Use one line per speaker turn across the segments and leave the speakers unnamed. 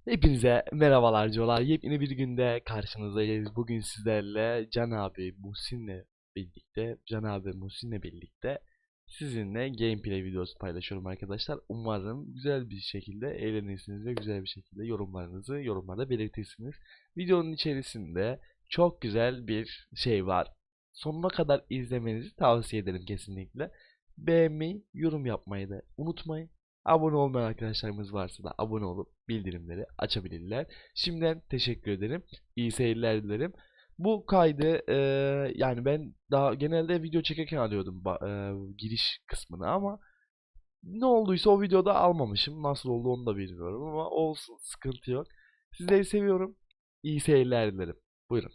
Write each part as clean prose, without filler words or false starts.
Hepinize merhabalar diyorlar. Yepyeni bir günde karşınızdayız. Bugün sizlerle Can abi Muhsin'le birlikte sizinle gameplay videosu paylaşıyorum arkadaşlar. Umarım güzel bir şekilde eğlenirsiniz ve güzel bir şekilde yorumlarınızı yorumlarda belirtirsiniz. Videonun içerisinde çok güzel bir şey var. Sonuna kadar izlemenizi tavsiye ederim kesinlikle. Beğenmeyi, yorum yapmayı da unutmayın. Abone olmayan arkadaşlarımız varsa da abone olup bildirimleri açabilirler. Şimdiden teşekkür ederim. İyi seyirler dilerim. Bu kaydı yani ben daha genelde video çekerken alıyordum giriş kısmını ama ne olduysa o videoda almamışım. Nasıl oldu onu da bilmiyorum ama olsun, sıkıntı yok. Sizleri seviyorum. İyi seyirler dilerim. Buyurun.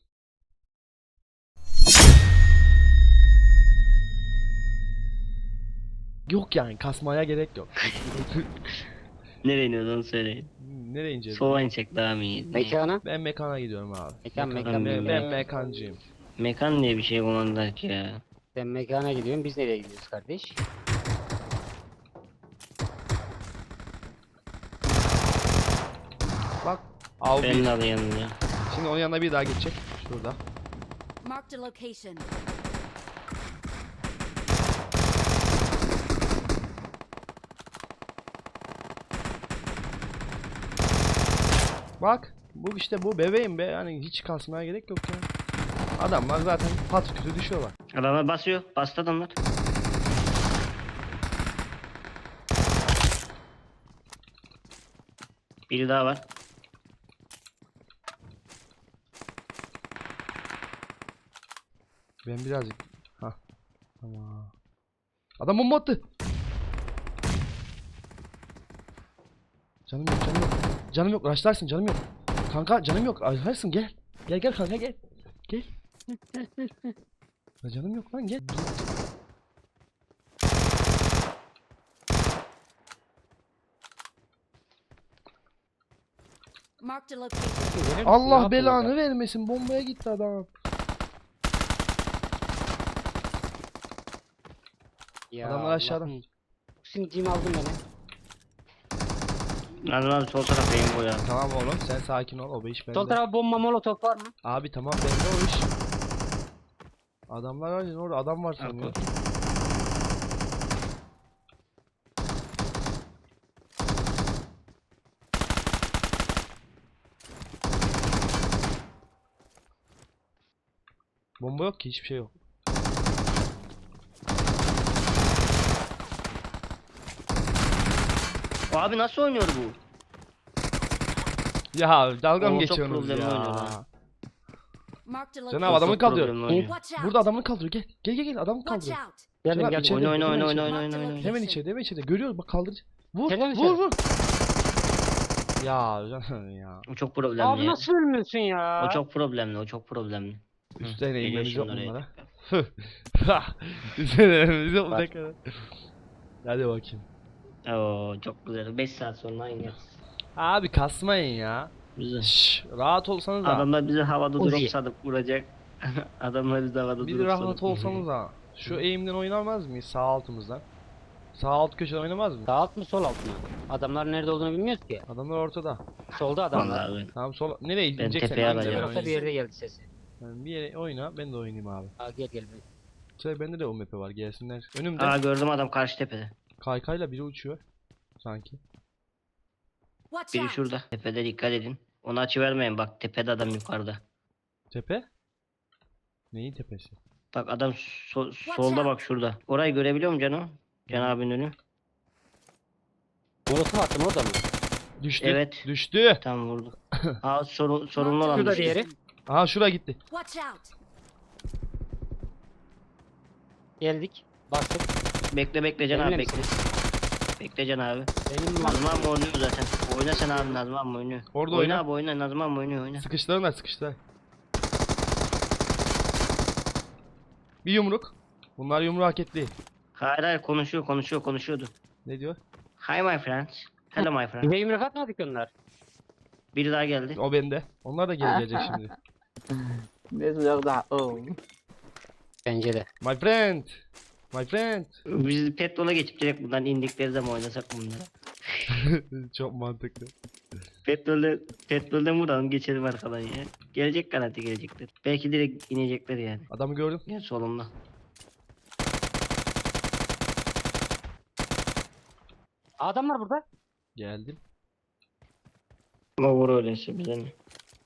Yok yani kasmaya gerek yok.
Nereye iniyoruz onu söyleyin.
Nereye ineceğiz?
Sola insek daha mı iyi?
Mekana?
Ben mekana gidiyorum abi.
Mekan.
Ben mekancıyım.
Mekan diye bir şey kullandık ya.
Sen mekana gidiyorsun, biz nereye gidiyoruz kardeş?
Bak. Al
Ben
bir.
de alayım ya.
Şimdi onun yanına bir daha geçecek. Şurada.
Marked a location.
Bak. Bu işte bu bebeğim be. Yani hiç kasmaya gerek yok ya. Adamlar zaten pat kütü düşüyorlar.
Adamlar basıyor. Bastı adamlar. Biri daha var.
Ben birazcık. Hah. Tamam. Adam bomba attı. Canım yok, canım yok. Canım yok, rushlarsın, canım yok. Kanka canım yok, rushlarsın, gel. Gel kanka gel. Gel. Ya canım yok lan, gel.
Marked a location.
Allah belanı vermesin, bombaya gitti adam.
Ya
Adamlar aşağıda.
Şimdi cim aldın beni.
Lan abi sol taraftayım bu ya.
Tamam oğlum, sen sakin ol, o iş bende.
Sol tarafa bomba molotof var mı?
Abi tamam, bende o iş. Adamlar var ya, orada adam var sanıyor. Bomba yok ki, hiçbir şey yok.
Abi nasıl oynuyor bu?
Ya dalga mı
Oo, çok
geçiyorsunuz
problemli oynuyor
ya?
lan.
Marked a
Cenab
location.
adamı
Çok
kaldırıyor.
problemli oynuyor.
Watch out.
Burada adamı kaldırıyor, gel adamı
Watch
kaldırıyor.
out.
Geldim
Cenab,
geldim.
içeride,
Oyna
hemen
oyna
içeride.
oyna oyna oyna oyna.
Hemen içeride görüyoruz bak, kaldır. Vur
İçeride mi
vur. Ya canım ya.
O çok problemli
Abi
ya.
nasıl ölmüyorsun ya?
O çok problemli, o çok problemli.
Üstten
geliyor
eğilmemiz yok
şimdi oraya.
bunlara. Üstten eğilmemiz yok bu ne kadar. Hadi bakayım.
Oo çok güzel. 5 saat sonra aynı.
Abi kasmayın ya.
Güzel.
Şşş, rahat olsanız da.
Adamlar bizi havada
Uzi.
drop sadıp vuracak. Adamlar bizi havada
Bir
drop
rahat
sadıp
olsanız da. Şu eğimden oynamaz mıyız sağ altımızdan? Sağ alt köşeden oynamaz mı?
Sağ alt mı sol alt mı? Adamlar nerede olduğunu bilmiyoruz ki.
Adamlar ortada.
Solda adamlar.
Vallahi
Tamam sol. Nereye
Ben
ineceksen
tepeye
in de
alacağım.
ben
Orada bir
oynayayım.
yerde geldi sesi.
Yani bir yere oyna, ben de oynayayım abi.
Aa, gel.
Şöyle bende de o map var, gelsinler. Önümde
Aa gördüm adam karşı tepede.
kaykayla biri uçuyor. Sanki.
Watch
Biri
out.
şurada. Tepede dikkat edin. Onu açıvermeyin bak tepede adam yukarıda.
Tepe? Neyin tepesi?
Bak adam solda bak şurada. Orayı görebiliyor musun Cano? Can abinin önü.
Molotof attım orada mı?
Düştü.
Evet.
Düştü.
Tam vurdu. Aa sorunlu olan
Şurada
düştü.
diğeri.
Aha şura gitti.
Watch out.
Geldik. Bastık.
Bekle Can abi
Benimle
bekle. Bekle Can abi.
Benim
Nazım abi oynuyor zaten. Oyna sen abi Nazım abi oynuyor.
Orada
oyna.
oyna.
Abi oyna Nazım abi oynuyor.
Sıkıştırın sıkıştır. Bir yumruk. Bunlar yumruğu hak etti.
Hayır konuşuyordu.
Ne diyor?
Hi my friends. Hello my friend.
bize yumruk atmadık onlar.
Biri daha geldi.
O bende. Onlar da geri gelecek şimdi.
Bence de.
My friend. My friend.
Biz petrola geçip direkt buradan indikleri zaman oynasak bunları.
Çok mantıklı.
Petrolden vuralım geçelim arkadan ya. Gelecek garanti gelecekler. Belki direkt inecekler yani.
Adamı gördüm.
Gel solumda.
Adam var burada.
Geldim.
Ama vur öyleyse bize ne?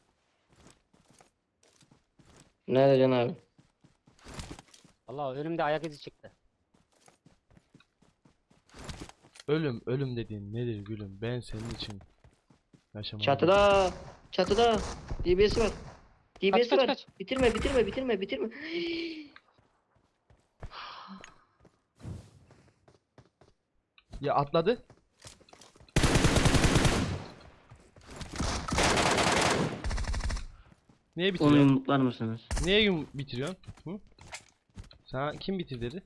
Nerede Can abi?
Allah önümde ayak izi çıktı.
Ölüm dediğin nedir gülüm? Ben senin için yaşamadım.
Çatıda. Çatıda. DBS var. DBS
kaç,
var.
kaç.
Bitirme.
Ya atladı. Niye
Onu
bitiriyorsun?
yumruklar mısınız?
Niye bitiriyorsun? Hı? Sana kim bitir dedi?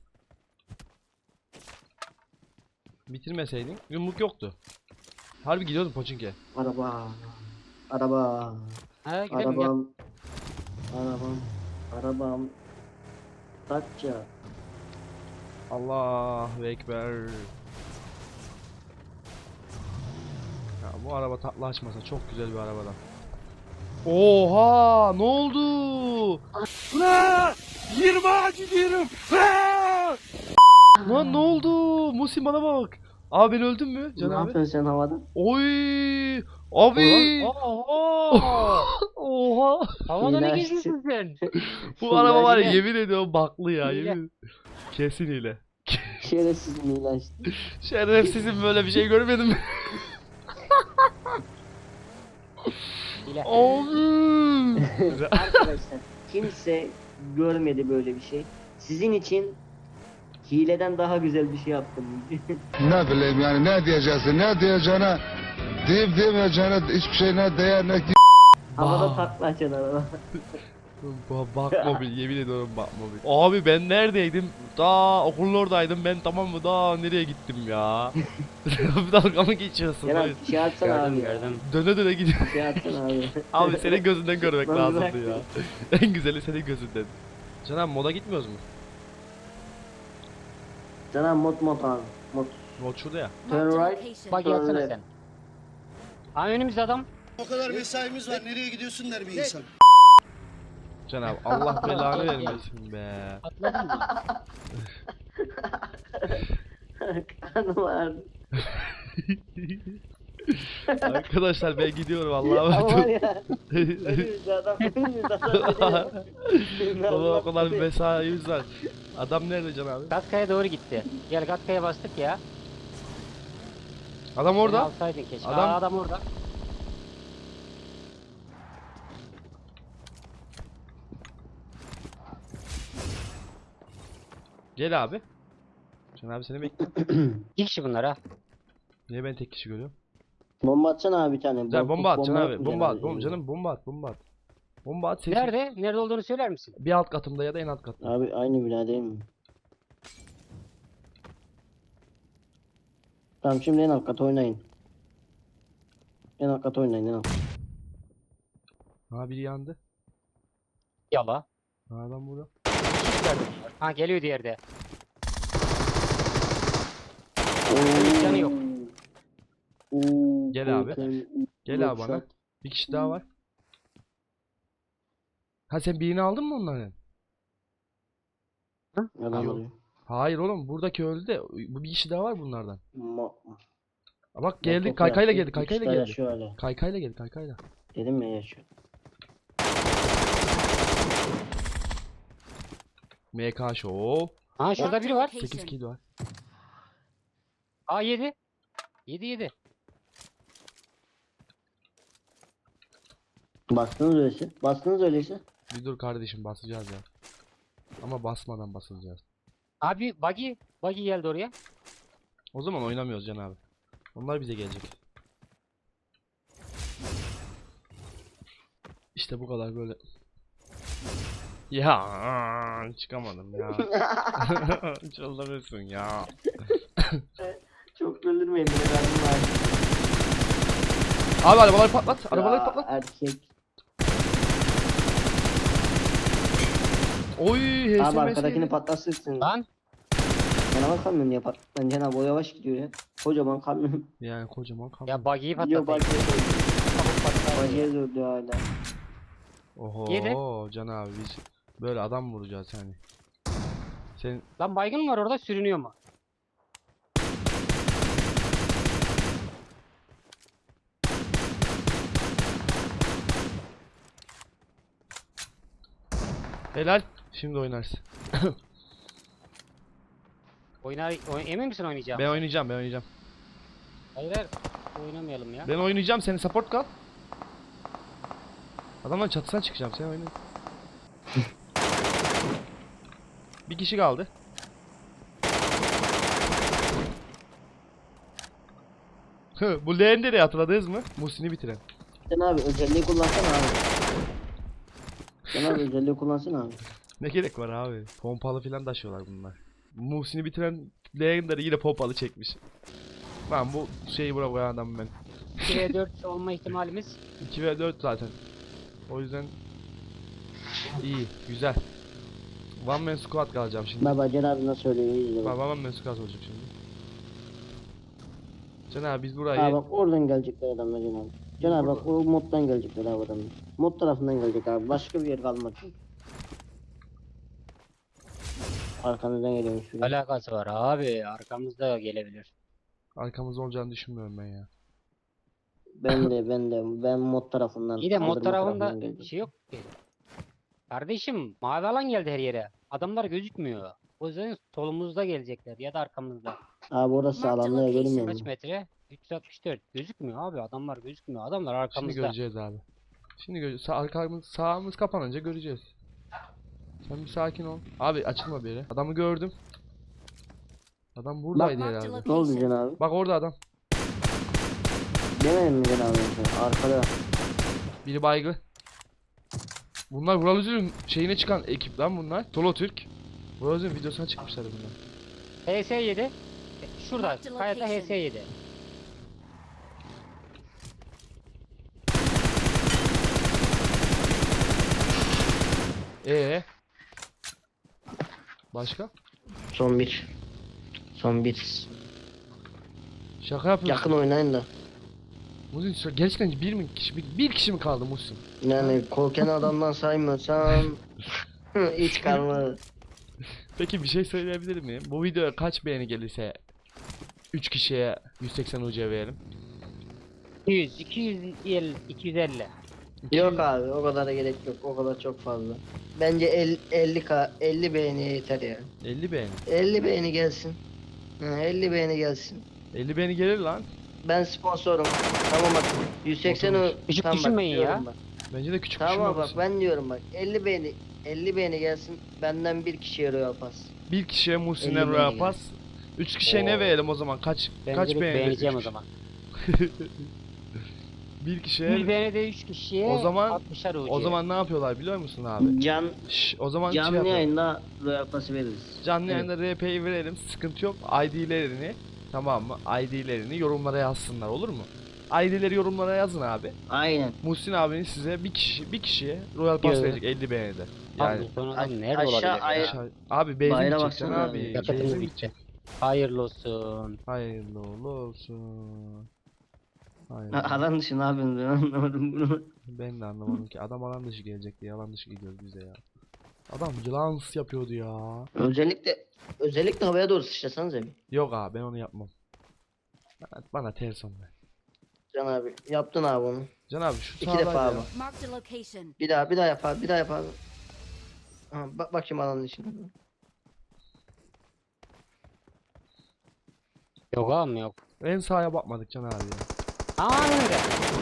Bitirmeseydin yumruk yoktu. Harbi gidiyordun Pochinki.
Araba.
Ha gidelim gel.
Arabam. Takça.
Allahu Ekber. Ya bu araba tatlı açmasa çok güzel bir arabadan. Oha, ne oldu? Lan 20 gidiyorum. Lan ne oldu? Musim bana bak. Abi ben öldüm mü Can
Ne
abi?
yapıyorsun sen havada?
Oy! Abi!
Oha!
Oha!
Havada ne
İlahi.
geziyorsun sen?
Bu araba var ya
Hile.
yemin ediyorum baklı ya
Hile.
yemin. Kesin hile.
Şerefsiz milaştı.
Şerefsizim böyle bir şey görmedim.
Hile.
Abi!
Arkadaşlar kimse görmedi böyle bir şey. Sizin için hileden daha güzel bir şey yaptım.
Ne bileyim yani ne diyeceksin ne diyeceğine deyip demeyeceğine hiçbir şey ne değer ne
Havada takla açan araba.
Bak mobil yemin ediyorum bak mobil. Abi ben neredeydim? Daha okulun oradaydım ben tamam mı? Daha nereye gittim ya? Bir dalga mı geçiyorsun?
Kenan
Hayır.
şey atsana
Gördüm
abi.
gördüm.
Döne döne gidiyorum.
Şey atsana abi.
Abi senin gözünden görmek
Ben
lazımdı
bıraktım.
ya. En güzeli senin gözünden. Canan moda gitmiyoruz mu?
Sana mod abi. Mod.
Mod şurada ya.
Turn
Marked a
right.
location.
Bak gelsene
Öyle.
sen. Ha önümüzde adam.
O kadar mesaimiz var. Nereye gidiyorsun der bir insan.
Can abi Allah belanı vermesin be.
Atladın mı?
Kanım ağrıdı.
Arkadaşlar ben gidiyorum Allah'a
Ama var
emanet
ya. Önümüzde adam. Önümüzde adam.
Baba o kadar bir mesaimiz var. Adam nerede Can abi?
Gatkaya doğru gitti. Gel Gatkaya bastık ya.
Adam
Beni
orada.
alsaydın keşke.
Adam-
Adam orada.
Gel abi. Can abi seni bekliyorum.
İki kişi bunlar ha.
Niye ben tek kişi görüyorum?
Bomba atsana abi bir tane.
Güzel bomba at Can abi.
atmayacaksın
Bomba at.
abi.
Canım bomba at. Bomba at. Bomba at. Ses
Nerede? Nerede olduğunu söyler misin?
bir alt katımda ya da en alt katta.
Abi aynı bina değil mi? Tamam şimdi en alt kata oynayın. En alt kata oynayın en alt.
Ha biri yandı.
Yala.
Ha adam burada.
Ha geliyor diğeri de.
Oo.
Canı yok.
Oo,
Gel abi.
korkunç.
Gel abi bana.
Yoksa-
Bir kişi daha var. Ha sen birini aldın mı onların?
Adam
Yok.
arıyor.
Hayır oğlum buradaki öldü de bu bir kişi daha var bunlardan.
Ma-
Ha bak geldi
Motokur
kaykayla
yaptı,
geldi kaykayla
kuşlar
geldi.
yaşıyor hala.
Kaykayla geldi kaykayla.
Dedim ya yaşıyor.
MK Show.
Ha şurada
Marked
biri
a
var.
8
location.
kill var.
Aa 7. 7.
Bastınız öyleyse. Bastınız öyleyse.
Bir dur kardeşim basacağız ya. Ama basmadan basacağız.
Abi buggy geldi oraya.
O zaman oynamıyoruz Can abi. Onlar bize gelecek. İşte bu kadar böyle. Ya çıkamadım ya. Çıldırırsın ya.
Çok öldürmeyin beni ben var.
Abi arabaları patlat. Arabaları
Ya,
patlat.
Erkek.
Oy
Abi
HSMS
arkadakini
geldi.
patlatırsın.
Lan
canavar kamyon yapar. Ben Cenab-ı o yavaş gidiyor ya. Kocaman kamyon.
Yani kocaman kamyon.
Ya buggy'yi
Yok
patlatayım.
bagiye durdu hala.
Yedi.
Oho Can abi biz böyle adam vuracağız yani. Sen
Lan baygın var orada sürünüyor mu?
helal. Şimdi oynarsın.
Emin misin oynayacağım?
Ben oynayacağım, ben oynayacağım.
Hayır hayır. Oynamayalım ya.
Ben oynayacağım, senin support kal. Adamların çatısına çıkacağım, sen oyna. Bir kişi kaldı. Bu Leyender'i hatırladınız mı? Muhsin'i bitiren.
Sen abi özelliği kullansana abi. Sen abi özelliği kullansana abi.
Ne gerek var abi? Pompalı filan taşıyorlar bunlar. Muhsin'i bitiren Leyender'i yine pompalı çekmiş. Lan bu şeyi buna koyan adam ben.
2v4 olma ihtimalimiz
2 ve 4 zaten. O yüzden iyi, güzel. One man squad kalacağım şimdi.
Baba Can abi nasıl söylüyor izle bak.
One man squad olacak şimdi. Can abi biz
Ha
burayı
bak oradan gelecekler adamlar Can abi. Can abi bak o moddan gelecekler abi adamlar. Mod tarafından gelecek abi. Başka bir yer kalmadı. Arkanızdan geliyormuş biri.
alakası var abi. Arkamızda gelebilir.
arkamızda olacağını düşünmüyorum ben ya.
Ben mod tarafından.
İyi de mod
kaldırma tarafından
tarafında
geldim.
bir şey yok ki. Kardeşim mavi alan geldi her yere. Adamlar gözükmüyor. O yüzden solumuzda gelecekler ya da arkamızda.
Abi orası
Marked
alanda
location.
görünmüyor
Kaç
mu?
metre? 364. Gözükmüyor abi. Adamlar gözükmüyor. Adamlar
Şimdi
arkamızda.
göreceğiz abi. Şimdi arkamız sağımız kapanınca göreceğiz. Sen bir sakin ol. Abi açılma bir yere. Adamı gördüm. Adam buradaydı
Marked
herhalde.
Ne oldu
location.
Can abi?
Bak orada adam.
Demedim mi Can abi? Arkada.
Biri baygı. Bunlar Vural Üzül'ün şeyine çıkan ekip lan bunlar. Solo Türk. Vural Üzül'ün videosuna çıkmışlar bunlar.
HS7. Şurada.
Marked
Kayada
location.
HS7.
Başka?
Son bir. Son bir.
Şaka yapıyorsun.
Yakın oynayın da.
Muhsin gerçekten bir kişi mi kaldı Muhsin?
Yani korken adamdan saymıyorsam hiç kalmadı.
Peki bir şey söyleyebilir miyim? Bu videoya kaç beğeni gelirse 3 kişiye 180 UC verelim.
200, 250, 250.
Yok abi o kadar gerek yok. O kadar çok fazla. Bence 50 beğeniye yeter ya.
50 beğeni.
50 beğeni gelsin. 50 beğeni gelsin.
50 beğeni gelir lan.
Ben sponsorum. Tamam bak 180
Oturmuş.
Küçük
tamam, bak,
düşünmeyin ya.
diyorum bak.
Bence de küçük
Tamam
düşünme
bak
Muhsin.
ben diyorum bak 50 beğeni gelsin. Benden bir kişiye Royal Pass.
Bir kişiye
50
Muhsin'e
beğeni
Royal
geldi.
Pass. 3 kişiye ne
Oo.
verelim o zaman? Kaç
Ben
kaç
direkt
beğeni?
beğeneceğim o
Üç
zaman.
Bir
Bir
kişiye.
beğeni de 3 kişiye
O zaman-
60'ar UC.
O zaman ne yapıyorlar biliyor musun abi? O zaman şey
Canlı
yapalım.
yayında Royal Pass'ı veririz.
Canlı
Evet.
yayında RP'yi verelim. Sıkıntı yok. ID'lerini, tamam mı? ID'lerini yorumlara yazsınlar, olur mu? ID'leri yorumlara yazın abi.
Aynen.
Muhsin abinin size bir kişiye Royal Pass
Diyor.
verecek 50 beğenide.
Abi
Yani
son adam
Aş-
nerede
aşağı
olabilir ya?
ay-
abi benzin
Bayrağa
gideceksin
baksana
abi.
abi.
Yakıtımız
Benzin
bitti.
gidecek.
Hayırlı olsun.
Hayırlı uğurlu olsun. Hayırlı.
Alan dışı ne yapıyorsun ben anlamadım bunu.
Ben de anlamadım ki. Adam alan dışı gelecek diye alan dışı gidiyoruz bize ya. Adam yılans yapıyordu ya.
Özellikle havaya doğru sıçrasanız bir.
Yok abi ben onu yapmam. Bana ters onlar.
Can abi yaptın abi onu.
Can abi şu
İki
sağdan
defa
ya.
abi.
Marked a location.
Bir daha yap abi. Bir daha yap abi. Ha, bak bakayım alanın içine.
Yok abi yok.
En sağa bakmadık Can abi ya.
Aynen öyle.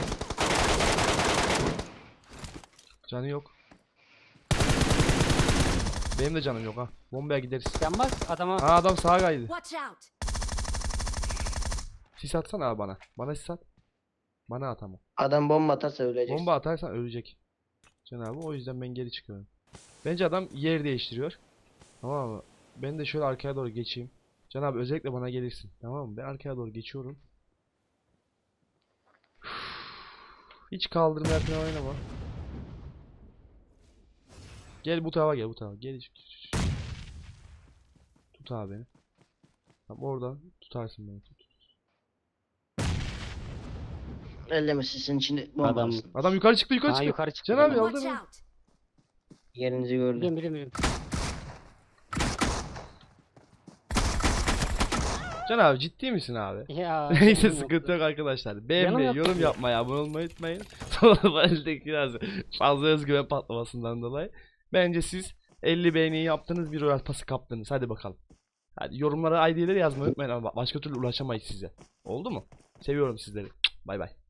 Canı yok. Benim de canım yok ha. Bombaya gideriz.
Yanmaz adama.
Aa adam sağa kaydı.
Watch out.
Sis atsana abi bana. Bana sis at. Bana at ama.
Adam bomba atarsa öleceksin.
Bomba atarsan ölecek. Can abi o yüzden ben geri çıkıyorum. Bence adam yer değiştiriyor. Tamam mı? Ben de şöyle arkaya doğru geçeyim. Can abi özellikle bana gelirsin. Tamam mı? Ben arkaya doğru geçiyorum. Hiç kaldırmaya falan oynama. Gel bu tarafa gel bu tarafa. Gel. Tut abi beni. Tamam, oradan tutarsın beni.
Elleme sizin içinde bomba
Adam-
atsın.
Adam yukarı çıktı, yukarı
Ha
çıktı.
yukarı çıktı.
Can abi
Biliyorum,
aldı
Watch
mı?
out!
Yerinizi gördüm.
biliyorum.
Can abi ciddi misin abi?
Ya
Neyse
canım
sıkıntı
yoktu.
yok arkadaşlar. Beğenmeyi,
yoktu
yorum
ya.
yapmayı, abone olmayı unutmayın. Sonra eldeki biraz fazla özgüven patlamasından dolayı. Bence siz 50 beğeniyi yaptınız, bir Royal Pass'ı kaptınız. Hadi bakalım. Hadi yorumlara ID'leri yazmayı unutmayın ama başka türlü ulaşamayız size. Oldu mu? Seviyorum sizleri. Bay bay.